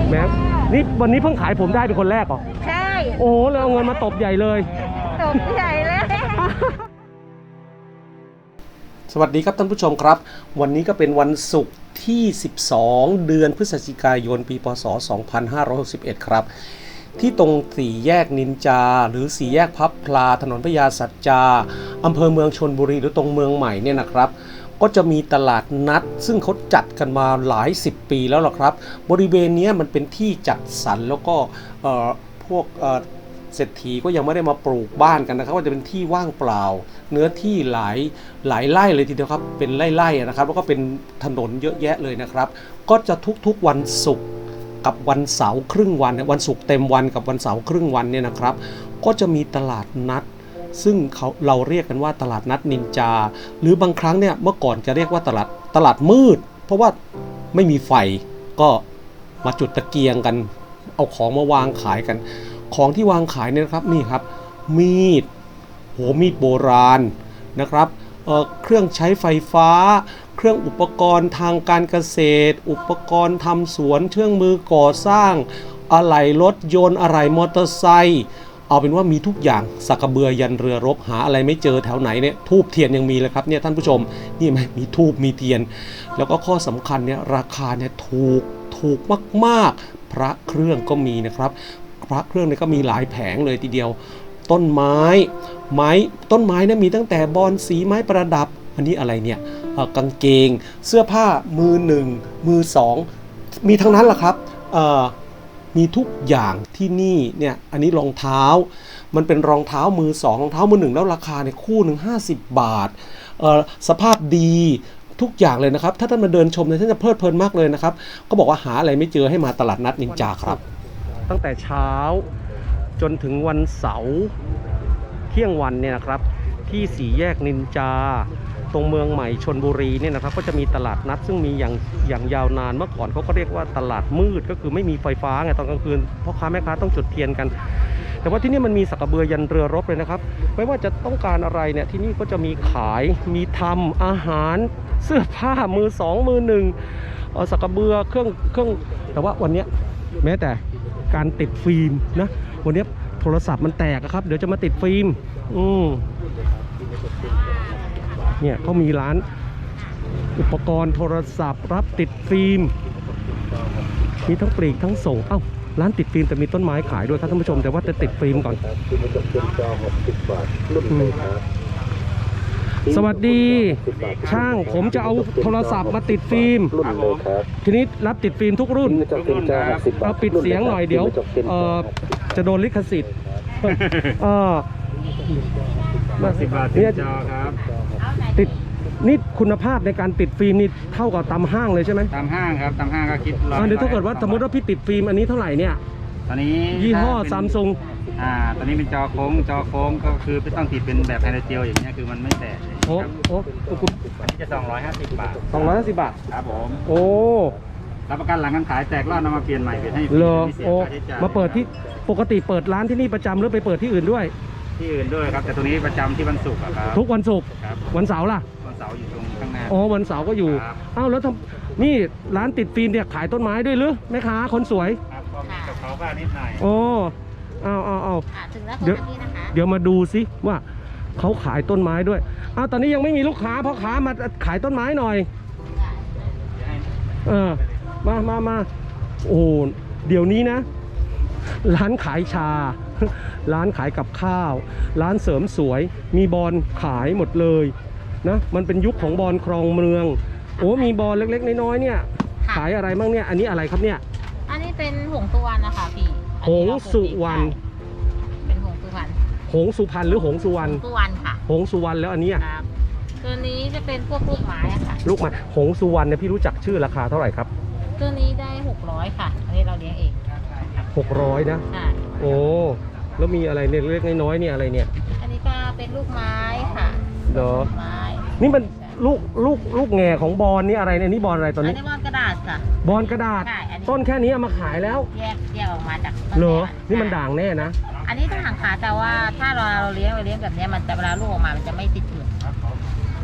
แม่นี่วันนี้เพิ่งขายผมได้เป็นคนแรกเหรอใช่โอ้แล้วเอาเงินมาตบใหญ่เลยตบใหญ่เลยสวัสดีครับท่านผู้ชมครับวันนี้ก็เป็นวันศุกร์ที่12เดือนพฤศจิกายนปีพศ2561ครับที่ตรงสี่แยกนินจาหรือสี่แยกพับพลาถนนพญาสัจจาอำเภอเมืองชลบุรีหรือตรงเมืองใหม่เนี่ยนะครับก็จะมีตลาดนัดซึ่งเขาจัดกันมาหลาย10ปีแล้วล่ะครับบริเวณนี้มันเป็นที่จัดสรรแล้วก็พวกเศรษฐีก็ยังไม่ได้มาปลูกบ้านกันนะครับก็จะเป็นที่ว่างเปล่าเนื้อที่หลายไร่เลยทีเดียวครับเป็นไร่ๆนะครับแล้วก็เป็นถนนเยอะแยะเลยนะครับก็จะทุกๆวันศุกร์กับวันเสาร์ครึ่งวันวันศุกร์เต็มวันกับวันเสาร์ครึ่งวันเนี่ยนะครับก็จะมีตลาดนัดซึ่งเราเรียกกันว่าตลาดนัดนินจาหรือบางครั้งเนี่ยเมื่อก่อนจะเรียกว่าตลาดมืดเพราะว่าไม่มีไฟก็มาจุดตะเกียงกันเอาของมาวางขายกันของที่วางขายเนี่ยนะครับนี่ครับมีดโบราณนะครับเครื่องใช้ไฟฟ้าเครื่องอุปกรณ์ทางการเกษตรอุปกรณ์ทำสวนเครื่องมือก่อสร้างอะไหล่รถยนต์อะไหล่มอเตอร์ไซค์เอาเป็นว่ามีทุกอย่างสักกระเบือยันเรือรบหาอะไรไม่เจอแถวไหนเนี่ยทูบเทียนยังมีเลยครับเนี่ยท่านผู้ชมนี่ไหมมีทูบมีเทียนแล้วก็ข้อสำคัญเนี่ยราคาเนี่ยถูกมากๆพระเครื่องก็มีนะครับพระเครื่องเนี่ยก็มีหลายแผงเลยทีเดียวต้นไม้เนี่ยมีตั้งแต่บอนสีไม้ประดับอันนี้อะไรเนี่ยกางเกงเสื้อผ้ามือหนึ่งมือสองมีทั้งนั้นแหละครับมีทุกอย่างที่นี่เนี่ยอันนี้รองเท้ามันเป็นรองเท้ามือสองรองเท้ามือหนึ่งแล้วราคาเนี่ยคู่หนึ่ง50 บาทสภาพดีทุกอย่างเลยนะครับถ้าท่านมาเดินชมเนี่ยท่านจะเพลิดเพลินมากเลยนะครับก็บอกว่าหาอะไรไม่เจอให้มาตลาดนัดนินจาครับตั้งแต่เช้าจนถึงวันเสาร์เที่ยงวันเนี่ยนะครับที่สี่แยกนินจาตรงเมืองใหม่ชลบุรีเนี่ยนะครับก็จะมีตลาดนัดซึ่งมีอย่างยาวนานเมื่อก่อนเขาก็เรียกว่าตลาดมืดก็คือไม่มีไฟฟ้าไงตอนกลางคืนพ่อค้าแม่ค้าต้องจุดเทียนกันแต่ว่าที่นี่มันมีสักกระเบือยันเรือรบเลยนะครับไม่ว่าจะต้องการอะไรเนี่ยที่นี่ก็จะมีขายมีทำอาหารเสื้อผ้ามือสองมือหนึ่งสักกระเบือเครื่องแต่ว่าวันนี้แม้แต่การติดฟิล์มนะวันนี้โทรศัพท์มันแตกครับเดี๋ยวจะมาติดฟิล์มเนี่ยเขามีร้านอุปกรณ์โทรศัพท์รับติดฟิล์มมีทั้งปลีกทั้งส่งร้านติดฟิล์มแต่มีต้นไม้ขายด้วยครับท่านผู้ชมแต่ว่าจะติดฟิล์มก่อนสวัสดีช่างผมจะเอาโทรศัพท์มาติดฟิล์มทีนี้รับติดฟิล์มทุกรุ่นเอาปิดเสียงหน่อยเดี๋ยวจะโดนลิขสิทธิ์ 10 บาทติดจอครับติดนี่คุณภาพในการติดฟิล์มนี่เท่ากับตามห้างเลยใช่ไหมตามห้างครับตามห้างก็คิดเดี๋ยวถ้าเกิดว่าสมมติว่าพี่ติดฟิล์มอันนี้เท่าไหร่เนี่ยตอนนี้ยี่ห้อซัมซุงตอนนี้เป็นจอโค้งก็คือไม่ต้องติดเป็นแบบไฮไลท์เจลอย่างเงี้ยคือมันไม่แตกโอ้อันนี้จะ250 บาท 250 บาทครับผมโอ้รับประกันหลังการขายแตกรอดนำมาเปลี่ยนใหม่เป็นให้ฟรีไม่เสียค่าใช้จ่ายมาเปิดที่ปกติเปิดร้านที่นี่ประจำหรือไปเปิดที่อื่นด้วยที่อื่นด้วยครับแต่ตัวนี้ประจำที่วันศุกร์ครับทุกวันศุกร์วันเสาร์ล่ะวันเสาร์อยู่ตรงข้างหน้าวันเสาร์ก็อยู่แล้วนี่ร้านติดฟิล์มเนี่ยขายต้นไม้ด้วยหรือแม่ค้าคนสวยครับก็มีกับเขาบ้างนิดหน่อยถึงแล้วตรงนี้นะคะเดี๋ยวมาดูซิว่าเขาขายต้นไม้ด้วยตอนนี้ยังไม่มีลูกค้าพ่อค้ามาขายต้นไม้หน่อยมาโอ้เดี๋ยวนี้นะร้านขายชาร้านขายกับข้าวร้านเสริมสวยมีบอลขายหมดเลยนะมันเป็นยุคของบอลครองเมืองมีบอลเล็กๆน้อยๆเนี่ยขายอะไรบ้างเนี่ยอันนี้อะไรครับเนี่ยอันนี้เป็นหงสุวรรณนะคะพี่หงสุวรรณเป็นหงสุวรรณหงสุพรรณหรือหงสุวรรณค่ะหงสุวรรณแล้วอันนี้ตัวนี้จะเป็นพวกลูกไม้ค่ะลูกไม้หงสุวรรณเนี่ยพี่รู้จักชื่อราคาเท่าไหร่ครับตัวนี้ได้600ค่ะอันนี้เราเลี้ยงเอง 600นะโอ้แล้วมีอะไรเนี่ยเล็กน้อยเนี่ยอะไรเนี่ยอันนี้ก็เป็นลูกไม้ค่ะไม้นี่มันลูกแง่ของบอลนี่อะไรเนี่ยนี่บอลอะไรตอนนี้อันนี้บอลกระดาษค่ะบอลกระดาษต้นแค่นี้เอามาขายแล้วแยกออกมาจากเหรอนี่มันด่างแน่นะอันนี้ถ้าห่างขาแต่ว่าถ้าเราเลี้ยงแบบนี้มันจะเวลาลูกออกมามันจะไม่ติดเปลือก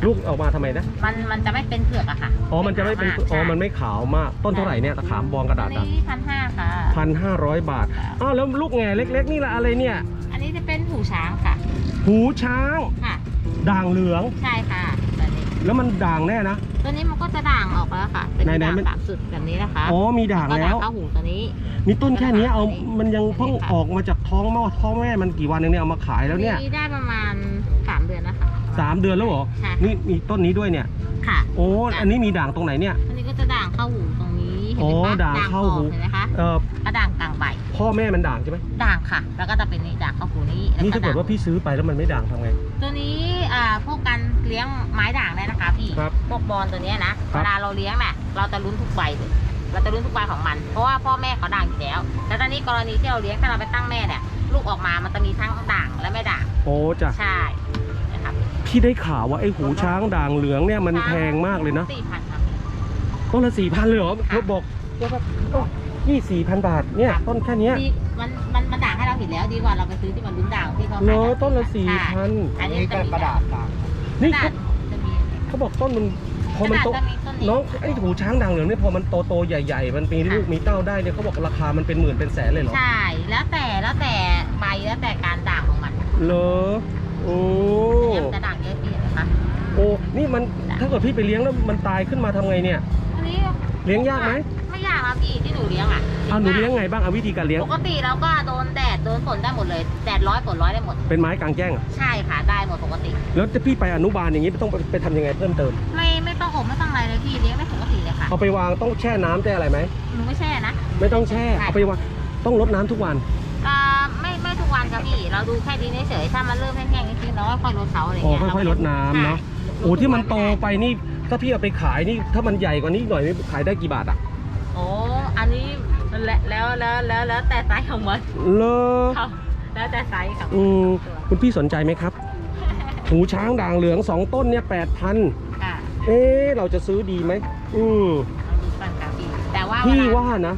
ลูกออกมาทำไมนะมันจะไม่เป็นเผือกอะค่ะอ๋อมันจะไม่เป็นอ๋อมันไม่ขาวมากต้นเท่าไหร่เนี่ยตะขามบองกระดาษอันนี้1,500ค่ะ 1,500 บาทอ้าวแล้วลูกแง่เล็กๆนี่ละอะไรเนี่ยอันนี้จะเป็นหูช้างค่ะหูช้างค่ะด่างเหลืองใช่ค่ะแบบนี้แล้วมันด่างแน่นะตัวนี้มันก็จะด่างออกแล้วค่ะเป็นไหนด่างๆมันตามสุดแบบนี้นะคะอ๋อมีด่างก็แล้วเข้าหูตัวนี้นี่ต้นแค่เนี้ยเอาตัวนี้มันยังเพิ่งออกมาจากท้องแม่มันกี่วันเองเนี่ยเอามาขายแล้วเนี่ยได้ประมาณ3 เดือนนะคะ 3 เดือนแล้วเหรอใช่นี่มีต้นนี้ด้วยเนี่ยค่ะโอ้อันนี้มีด่างตรงไหนเนี่ยอันนี้ก็จะด่างเข้าหูตรงนี้เห็นโอ้ไหมคะด่างเข้าหูเห็นไหมคะ กระด่างกลางใบพ่อแม่มันด่างใช่ไหมด่างค่ะ แล้วก็จะเป็นนี่ด่างเข้าหูนี้แล้วนี่ถ้าเกิดด่งว่าพี่ซื้อไปแล้วมันไม่ด่างทำไงตัวนี้พวกการเลี้ยงไม้ด่างเนี่ยนะคะพี่ครับพวกบอลตัวเนี้ยนะครัเวบลาเราเลี้ยงเนี่ยเราจะลุ้นทุกใบเลยเราจะลุ้นทุกใบของมัน เพราะว่าพ่อแม่เขาด่างอยู่แล้วแต่ตอนนี้กรณีที่เราเลี้ยงถ้าเราไปตั้งแม่เนี่ยลูกออกมามันจะมีทั้งด่างและไม่ด่างโอ้จ้ะใช่นะครับพี่ได้ข่าวว่าไอ้หูช้างด่างเหลืองเนี่ยมันแพงมากเลยนะ 4,000ครับต้นละ 4,000เลยเหรอเธอบอกนี่ 4,000 บาทเนี่ยต้นแค่เนี้ยดีมันด่างให้เราเห็นแล้วดีกว่าเราไปซื้อที่มันลุ้นด่างที่เขาเหรขายอต้นละใช่ 4,000 อันนี้จะมีกระดาษต่างนี่กระดาษจะมีเขาบอกต้นมันพอมันโตกระดาษจะมีต้นนี้น้องไอ้หูช้างด่างเหลืองเนี่ยพอมันโตใหญ่ๆมันมีลูกมีเต้าได้เนี่ยเขาบอกราคามันเป็นหมื่นเป็นแสนเลยเหรอใช่แล้วแต่ใบแล้วแต่การด่างของมันเหรอโอ้เนี่ยมันจะด่างเยอะพี่นะคะโอ้นี่มันถ้าเกิดพี่ไปเลี้ยงแล้วมันตายขึ้นมาทำไงเนี่ยอันนี้เลี้ยงยากไหมไม่ยากครับพี่ที่หนูเลี้ยงอ่ะเอาหนูเลี้ยงไงบ้างเอาวิธีการเลี้ยงปกติเราก็โดนแดดโดนฝนได้หมดเลยแดดร้อยฝนร้อยได้หมดเป็นไม้กลางแจ้งอะใช่ค่ะได้หมดปกติแล้วจะพี่ไปอนุบาลอย่างนี้ต้องไปทำยังไงเพิ่มเติมไม่ต้องอบไม่ต้องอะไรเลยพี่เลี้ยงได้ปกติเลยค่ะเอาไปวางต้องแช่น้ำแช่อะไรไหมหนูไม่แช่นะไม่ต้องแช่เอาไปวางต้องรดน้ำทุกวันไม่ทุกวันครับพี่เราดูแค่ดีเฉยๆถ้ามันเริ่มแห้งๆจริงๆเราก็ค่อยลดเขาอะไรอ๋อเงี้ยค่อยๆรดน้ำเนาะใช่โอ้ที่มันโตไปนี่ถ้าพี่เอาไปขายนี่ถ้ามันใหญ่กว่านี้หน่อยนี่ขายได้กี่บาทอะโอ้อันนี้แล้วแต่ไซส์ของมันเลอครับแล้วแต่ไซส์ของคุณพี่สนใจไหมครับ หูช้างด่างเหลือง2 ต้นเนี่ย8,000 ค่ะเราจะซื้อดีไหมเราดูกันครับพี่แต่ว่าพี่เวลาว่านะ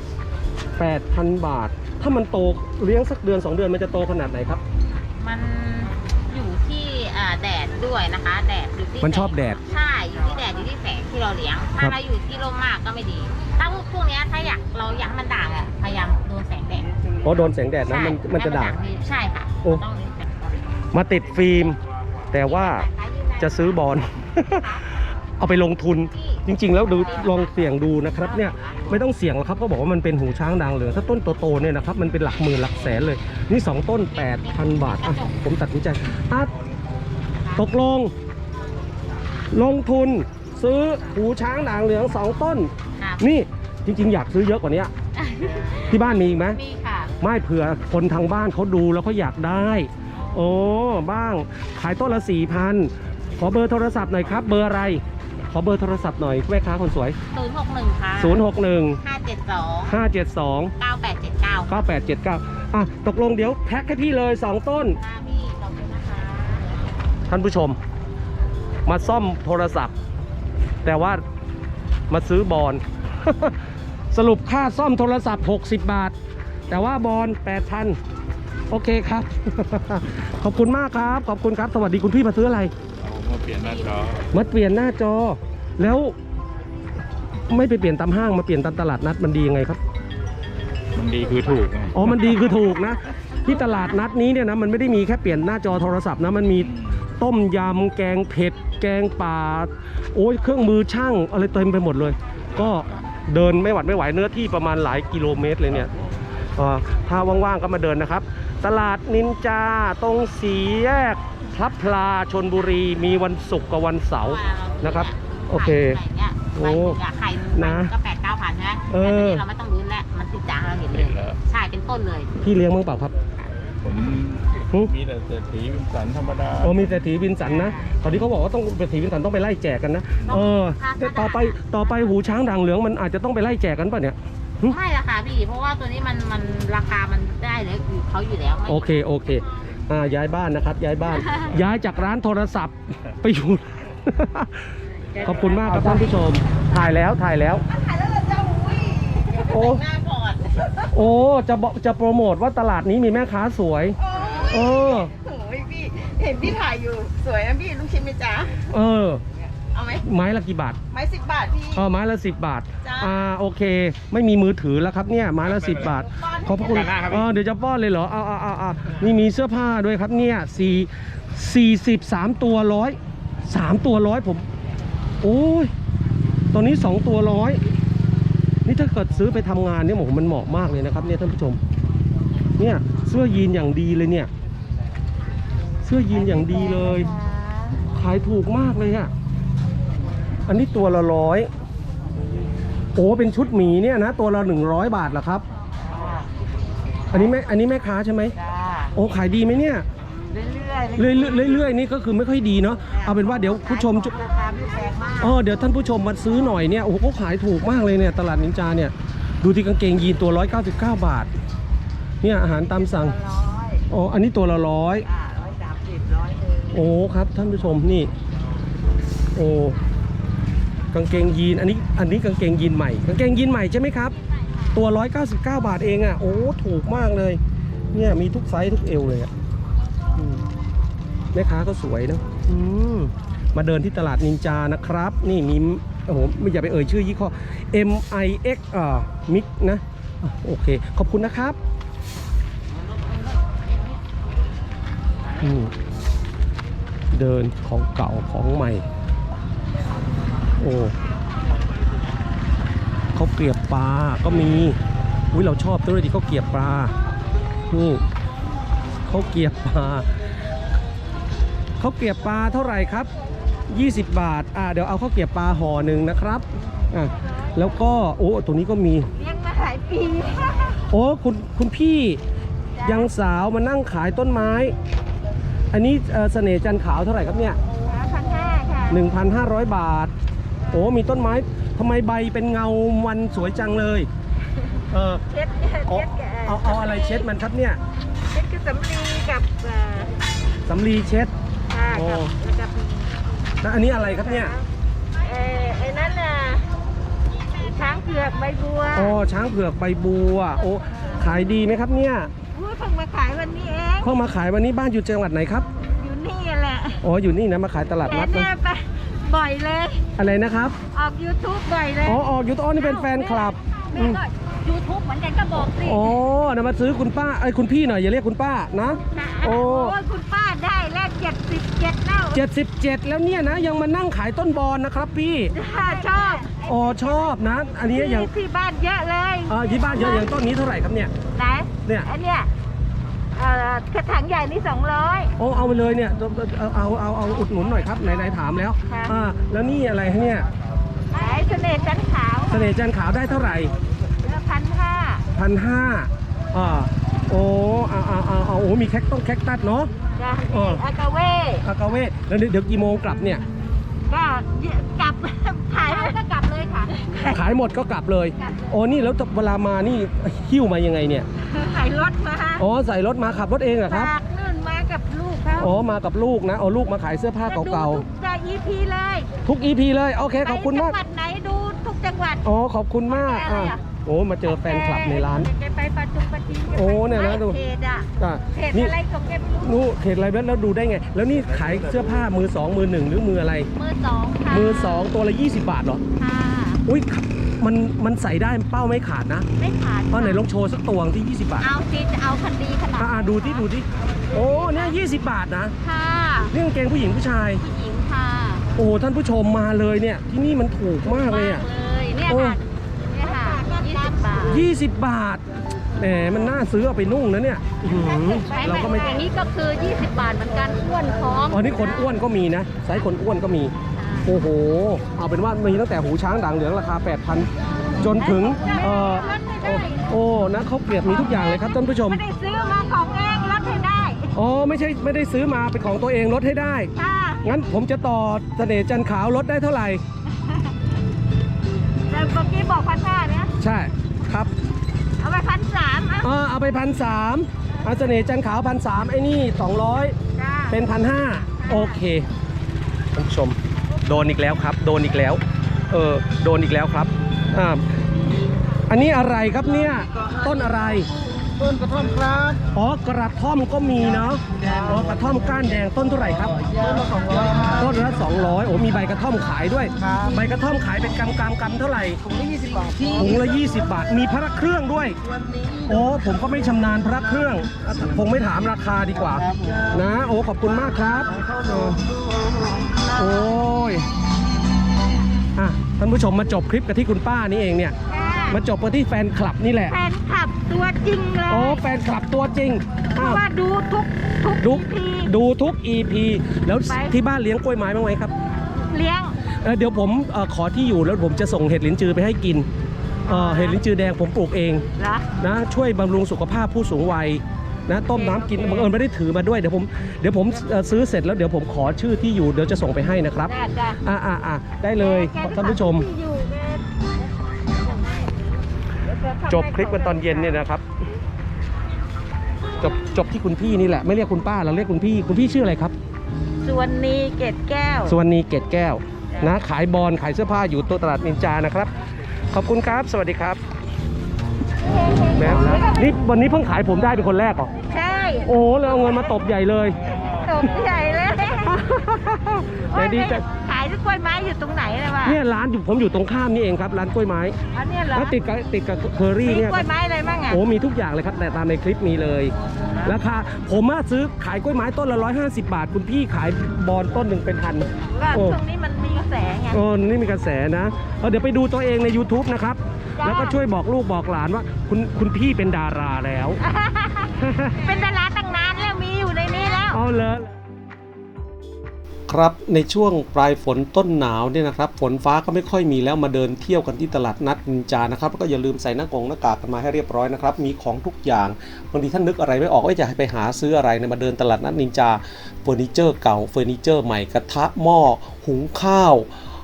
8,000 บาท ถ้ามันโตเลี้ยงสักเดือน2 เดือนมันจะโตขนาดไหนครับมันอยู่ที่แดดด้วยนะคะแดดอยู่ที่มันชอบแดดใช่อยู่ที่แดดอยู่ที่แสงที่เราเลี้ยงครัถ้าบเราอยู่ที่ร่มมากก็ไม่ดี ถ้าพวกเนี้ยถ้าเราอยากให้มันด่างอ่ะพยายามโดนแสงแดดเพราะโดนแสงแดดนะใช่มันจะด่างให้ใช่ค่ะโอ้ต้องโดนแสงแดดมาติดฟิล์ม แต่ว่าจะซื้อบอล เอาไปลงทุน จริง ๆ แล้วดูลองเสี่ยงดูนะครับเนี่ยไม่ต้องเสี่ยงหรอกครับเขาบอกว่ามันเป็นหูช้างด่างเหลืองถ้าต้นโตๆเนี่ยนะครับมันเป็นหลักหมื่นหลักแสนเลย นี่ 2 ต้น 8,000 บาทอ่ะผมตัดสินใจตกลง ลงทุนซื้อหูช้างด่างเหลือง2 ต้นครับนี่จริง ๆ อยากซื้อเยอะกว่านี้ที่บ้านมีอีกไหมมีค่ะไม่เผื่อคนทางบ้านเขาดูแล้วเขาอยากได้ โอ้บ้างขายต้นละ 4,000 ขอเบอร์โทรศัพท์หน่อยครับเบอร์อะไรขอเบอร์โทรศัพท์หน่อยแม่ค้าคนสวย 061 ค่ะ 061 572 572 9879 9879ตกลงเดี๋ยวแพ็คให้พี่เลย2 ต้นค่ะพี่ขอบคุณนะคะท่านผู้ชม มาซ่อมโทรศัพท์ แต่ว่ามาซื้อบอล สรุปค่าซ่อมโทรศัพท์60 บาท แต่ว่าบอล 8,000 โอเคครับ ขอบคุณมากครับ ขอบคุณครับ สวัสดีคุณพี่มาซื้ออะไรมาเปลี่ยนหน้าจอมาเปลี่ยนหน้าจอ แล้วไม่ไปเปลี่ยนตามห้างมาเปลี่ยนตามตลาดนัดมันดียังไงครับมันดีคือถูกไงอ๋อ มันดีคือถูกนะ ที่ตลาดนัดนี้เนี่ยนะ มันไม่ได้มีแค่เปลี่ยนหน้าจอโทรศัพท์นะ มันมีต้มยำ แกงเผ็ด แกงป่า โอ้ย เครื่องมือช่างอะไรเต็มไปหมดเลย ก็เดินไม่หวัดไม่ไหวเนื้อที่ประมาณหลายกิโลเมตรเลยเนี่ยถ้าว่างๆก็มาเดินนะครับ ตลาดนินจาตรงสี่แยกพลับพลาชลบุรีมีวันศุกร์กับวันเสาร์นะครับ โอเคโอ้ไข่นะก็8-9 พันใช่ไหมแต่ตอนนี้เราไม่ต้องลุ้นแล้วมันติดจางเราเห็นเลยใช่เป็นต้นเลยพี่เลี้ยงมั้งเปล่าครับผมมีแต่เศรษฐีวินสันธรรมดาโอ้มีเศรษฐีวินสันนะตอนนี้เขาบอกว่าต้องเศรษฐีวินสันต้องไปไล่แจกกันนะแต่ต่อไปหูช้างด่างเหลืองมันอาจจะต้องไปไล่แจกกันป่ะเนี่ยไม่ละค่ะพี่เพราะว่าตัวนี้มันราคามันได้เลยเขาอยู่แล้วโอเคย้ายบ้านนะครับ ย้ายบ้าน ย้ายจากร้านโทรศัพท์ไปอยู่ ขอบคุณมากครับท่านผู้ชม ถ่ายแล้วถ่ายแล้วเราจะโอ้ยหน้าก่อนโอ้จะโปรโมทว่าตลาดนี้มีแม่ค้าสวยโอ้ยพี่เห็นพี่ถ่ายอยู่สวยนะพี่ลูกชิ้นไหมจ๊ะเออเอาไหมไม้ละกี่บาทไม้10 บาทพี่ไม้ละ10 บาทจ้าโอเค ไม่มีมือถือแล้วครับเนี่ยไม้ละ10 บาท ขอบพระคุณเดี๋ยวจะป้อนเลยเหรอนี่มีเสื้อผ้าด้วยครับเนี่ย43 ตัวร้อย3 ตัวร้อยผมโอ้ยตอนนี้2 ตัวร้อยนี่ถ้าเกิดซื้อไปทำงานเนี่ยโอ้โหมันเหมาะมากเลยนะครับเนี่ยท่านผู้ชมเนี่ยเสื้อยีนอย่างดีเลยเนี่ยเสื้อยีนอย่างดีเลยขายถูกมากเลยอะอันนี้ตัวละร้อยโอ้เป็นชุดหมีเนี่ยนะตัวละ100 บาทเหรอครับอันนี้แม่ค้าใช่ไหมจ้าโอ้ขายดีไหมเนี่ยเรื่อยเรื่อยๆนี่ก็คือไม่ค่อยดีเนาะเอาเป็นว่าเดี๋ยวผู้ชมราคาไม่แพงมากเดี๋ยวท่านผู้ชมมาซื้อหน่อยเนี่ยโอ้โหเขาขายถูกมากเลยเนี่ยตลาดนินจาเนี่ยดูที่กางเกงยีนตัว199 บาทเนี่ยอาหารตามสั่ง 100 อันนี้ตัวละร้อย 130 100 โอ้ครับท่านผู้ชมนี่โอ้กางเกงยีนอันนี้กางเกงยีนใหม่กางเกงยีนใหม่ใช่ไหมครับตัว199 บาทเองอ่ะโอ้ถูกมากเลยเนี่ยมีทุกไซส์ทุกเอวเลยอ่ะแม่ค้าก็สวยนะมาเดินที่ตลาดนินจานะครับนี่มีโอ้โหไม่อย่าไปเอ่ยชื่อยี่ห้อ MIX มิกนะโอเคขอบคุณนะครับเดินของเก่าของใหม่โอ้เขาเกลียบปลาก็มีเราชอบด้วยดิเขาเกลียบปลานี่เขาเกลียบปลาเท่าไหร่ครับ20 บาทเดี๋ยวเอาข้าวเกลียบปลาห่อหนึ่งนะครับแล้วก็ตัวนี้ก็มีเลี้ยงมาหลายปีคุณพี่ยังสาวมานั่งขายต้นไม้อันนี้เสน่ห์จันทร์ขาวเท่าไหร่ครับเนี่ย 1,500 ค่ะ 1,500 บาทมีต้นไม้ทำไมใบเป็นเงามันสวยจังเลยเช็ดเอาอะไรเช็ดมันครับเนี่ยเช็ดคือสำลีกับสำลีเช็ดกับแล้วอันนี้อะไรครับเนี่ยไอ้นั่นน่ะช้างเผือกใบบัวช้างเผือกใบบัวขายดีไหมครับเนี่ยเพิ่งมาขายวันนี้เองเข้ามาขายวันนี้บ้านอยู่จังหวัดไหนครับอยู่นี่แหละอยู่นี่นะมาขายตลาดนัดนะไปบ่อยเลยอะไรนะครับออก YouTube บ่อยเลยออกยูทูบนี่เป็นแฟนคลับแม่ก็ YouTube เหมือนกันก็บอกสิเดี๋ยวมาซื้อคุณป้าคุณพี่หน่อยอย่าเรียกคุณป้านะโอ้ยคุณป้าได้แลก77แล้ว 77แล้วเนี่ยนะยังมานั่งขายต้นบอนนะครับพี่ชอบชอบนะอันนี้อย่างที่บ้านเยอะเลยที่บ้านเยอะอย่างต้นนี้เท่าไหร่ครับเนี่ยไหนเนี่ยอันเนี้ยกระถางใหญ่นี่200 เอาไปเลยเนี่ยเอาอุดหนุนหน่อยครับไหนถามแล้วแล้วนี่อะไรเนี่ยเสน่ห์จันทร์ขาวได้เท่าไหร่1,500มีแคคตัสเนาะอากาเว่แล้วเดี๋ยวกี่โมงกลับเนี่ยก็กลับขายก็กลับเลยค่ะขายหมดก็กลับเลยนี่แล้วเวลามานี่หิ้วมายังไงเนี่ยใส่รถมาใส่รถมาขับรถเองเหรอครับนู่นมากับลูกเขามากับลูกนะลูกมาขายเสื้อผ้าเก่าๆทุก EP เลยทุก EP เลยโอเคขอบคุณมากจังหวัดไหนดูทุกจังหวัดขอบคุณมากมาเจอแฟนคลับในร้านไปประจีนเนี่ยนะดูเขตอะไรของแกไม่รู้เขตอะไรแล้วดูได้ไงแล้วนี่ขายเสื้อผ้ามือ2มือ1หรือมืออะไรมือ2ตัวละ20 บาทเหรอค่ะอุ้ยมันใส่ได้เป้าไม่ขาดนะไม่ขาดไหนลองโชว์สักตัวที่20 บาทเอาสิจะเอาคันดีขนาดดูที่เนี่ย20 บาทนะค่ะนี่กางเกงผู้หญิงผู้ชายค่ะท่านผู้ชมมาเลยเนี่ยที่นี่มันถูกมากเลยเนี่ยค่ะ 20 บาทแหมมันน่าซื้อเอาไปนุ่งนะเนี่ยเราก็ไม่อย่างนี้ก็คือ20 บาทเหมือนกันอ้วนพร้อมนี่คนอ้วนก็มีนะไซส์คนอ้วนก็มีเอาเป็นว่ามีตั้งแต่หูช้างด่างเหลืองราคา 8,000 จนถึงนะเขาเปรียบมีทุกอย่างเลยครับท่านผู้ชมไม่ได้ซื้อมาของเองลดให้ได้ไม่ได้ซื้อมาเป็นของตัวเองลดให้ได้งั้นผมจะต่อเสน่ห์จันทร์ขาวลดได้เท่าไหร่แต่เมื่อกี้บอก1,500เนี่ยใช่ครับเอาไป1,300 เอาไป1,300เสน่ห์จันทร์ขาว1,300ไอ้นี่200เป็น1,500โอเคท่านผู้ชมโดนอีกแล้วครับโดนอีกแล้วอันนี้อะไรครับเนี่ยต้นอะไรต้นกระท่อมครับอ๋อกระท่อมก็มีเนาะอ๋อกระท่อมก้านแดงต้นเท่าไหร่ครับต้นละ200ครับต้นละ200โอ้มีใบกระท่อมขายด้วยครับใบกระท่อมขายเป็นกำเท่าไหร่ถุงละ20 บาทที่ถุงละ20 บาทมีพระเครื่องด้วยโอ้ผมก็ไม่ชำนาญพระเครื่องคงไม่ถามราคาดีกว่านะโอ้ขอบคุณมากครับโอ้ยอ่ะท่านผู้ชมมาจบคลิปกันที่คุณป้านี่เองเนี่ยมาจบกันที่แฟนคลับนี่แหละแฟนคลับตัวจริงเลยโอ้แฟนคลับตัวจริงเพอ้าราะวว่าดูทุกดูทีดูทุก EP แล้วไปที่บ้านเลี้ยงกล้วยไม้บ้างไหมครับเลี้ยงเดี๋ยวผมขอที่อยู่แล้วผมจะส่งเห็ดลิ้นจือไปให้กินเห็ดลิ้นจือแดงผมปลูกเองเหรอนะช่วยบำรุงสุขภาพผู้สูงวัยนะต้มน้ำกินบังเอิญไม่ได้ถือมาด้วยเดี๋ยวผมซื้อเสร็จแล้วเดี๋ยวผมขอชื่อที่อยู่เดี๋ยวจะส่งไปให้นะครับได้ได้เลยแกก็ท่านผู้ชมที่อยู่แกจบคลิปกันตอนเย็นเนี่ยนะครับจบที่คุณพี่นี่แหละไม่เรียกคุณป้าเราเรียกคุณพี่ชื่ออะไรครับส่วนนี้เกตแก้วสุวรรณีเกตแก้วนะขายบอลขายเสื้อผ้าอยู่ตัวตลาดนินจานะครับขอบคุณครับสวัสดีครับแม่นี่วันนี้เพิ่งขายผมได้เป็นคนแรกเหรอใช่โอ้เลยเอาเงินมาตบใหญ่เลยตกใหญ่เลยแต่ดีใจขายกล้วยไม้อยู่ตรงไหนเลยวะเนี่ยร้านผมอยู่ตรงข้ามนี่เองครับร้านกล้วยไม้อันเนี้ยเหรอแล้วติดกับเคอรี่มีเนี่ยกล้วยไม้อะไรบ้างอ่ะโอ้มีทุกอย่างเลยครับแต่ตามในคลิปมีเลยราคาผมซื้อขายกล้วยไม้ต้นละ150 บาทคุณพี่ขายบอลต้นหนึ่งเป็นพันก็โอ้ช่วงนี้มันมีกระแสไงนี่มีกระแสนะเดี๋ยวไปดูตัวเองใน YouTube นะครับจ้าแล้วก็ช่วยบอกลูกบอกหลานว่าคุณพี่เป็นดาราแล้วเป็นดาราตั้งนานแล้วมีอยู่ในนี้แล้วเอาเลยครับในช่วงปลายฝนต้นหนาวเนี่ยนะครับฝนฟ้าก็ไม่ค่อยมีแล้วมาเดินเที่ยวกันที่ตลาดนัดนินจานะครับแล้วก็อย่าลืมใส่หน้ากากกันมาให้เรียบร้อยนะครับมีของทุกอย่างบางทีท่านนึกอะไรไม่ออกว่าจะให้ไปหาซื้ออะไรเนี่ยมาเดินตลาดนัดนินจาเฟอร์นิเจอร์เก่าเฟอร์นิเจอร์ใหม่กระทะหม้อหุงข้าว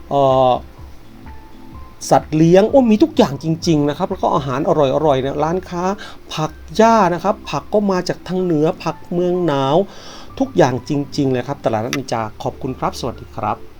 สัตว์เลี้ยงมีทุกอย่างจริงๆนะครับแล้วก็อาหารอร่อยๆเนี่ยร้านค้าผักหญ้านะครับผักก็มาจากทางเหนือผักเมืองหนาวทุกอย่างจริงๆเลยครับตลาดนัดนินจาขอบคุณครับสวัสดีครับ